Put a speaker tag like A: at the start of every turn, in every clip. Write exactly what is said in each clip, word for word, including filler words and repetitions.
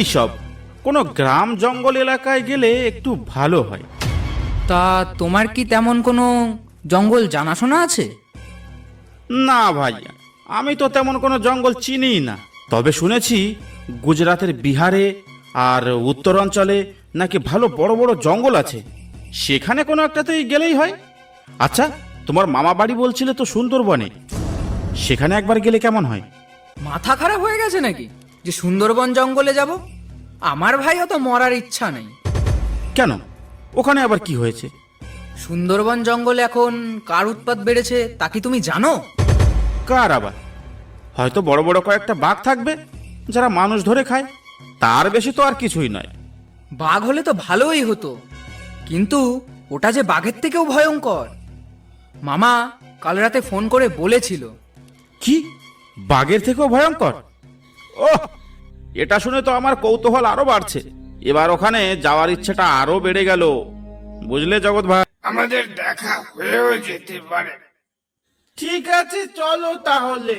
A: এই সব কোনো গ্রাম জঙ্গল এলাকায় গেলে একটু ভালো হয়।
B: তা তোমার কি তেমন কোনো জঙ্গল জানাশোনা আছে?
A: না ভাই, আমি তো তেমন কোনো জঙ্গল চিনিই না। তবে শুনেছি গুজরাতের বিহারে আর উত্তরাঞ্চলে নাকি ভালো বড় বড় জঙ্গল আছে, সেখানে কোনো একটাতেই গেলেই হয়। আচ্ছা, তোমার মামা বাড়ি বলছিলে তো সুন্দরবনে, সেখানে একবার গেলে কেমন হয়?
B: মাথা খারাপ হয়ে গেছে নাকি যে সুন্দরবন জঙ্গলে যাব? আমার ভাইও তো মরার ইচ্ছা নেই।
A: কেন, ওখানে আবার কি হয়েছে?
B: সুন্দরবন জঙ্গলে এখন কার উৎপাত বেড়েছে তা কি তুমি জানো?
A: কার আবার? হয়তো বড় বড় কয়েকটা বাঘ থাকবে যারা মানুষ ধরে খায়, তার বেশি তো আর কিছুই নয়।
B: বাঘ হলে তো ভালোই হতো, কিন্তু ওটা যে বাঘের থেকেও ভয়ঙ্কর। মামা কাল রাতে ফোন করে বলেছিল।
A: কি, বাঘের থেকেও ভয়ঙ্কর? ওহ, এটা শুনে তো আমার কৌতূহল আরো বাড়ছে। এবার ওখানে যাওয়ার ইচ্ছেটা আরো বেড়ে গেল, বুঝলে জগৎ ভাই।
C: আমাদের দেখা হয়েও যেতে পারে।
A: ঠিক আছে, চলো তাহলে।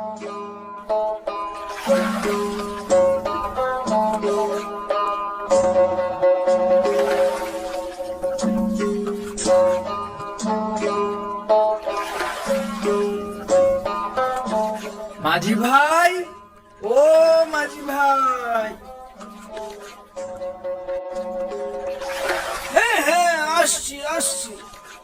B: মাঝি ভাই, ও মাঝি ভাই।
C: হ্যাঁ হ্যাঁ, আসছি আসছি।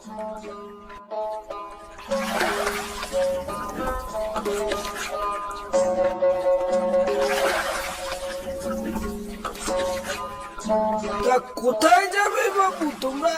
C: তা কোথায় যাবে বাবু তোমরা?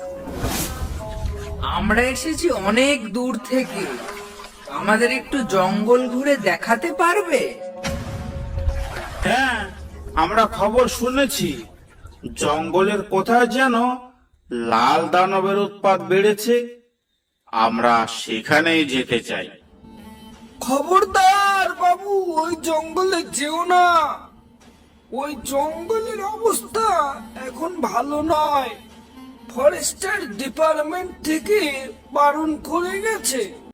B: আমরা এসেছি অনেক দূর থেকে, আমাদের একটু জঙ্গল ঘুরে দেখাতে পারবে?
A: হ্যাঁ, আমরা খবর শুনেছি জঙ্গলের কোথায় যেন লাল দানবের উৎপাত বেড়েছে, আমরা সেখানেই যেতে চাই।
C: খবরদার বাবু, ওই জঙ্গলে যেও না। ওই জঙ্গলের অবস্থা এখন ভালো নয়। ফরেস্টার ডিপার্টমেন্ট থেকে বারণ করে গেছে।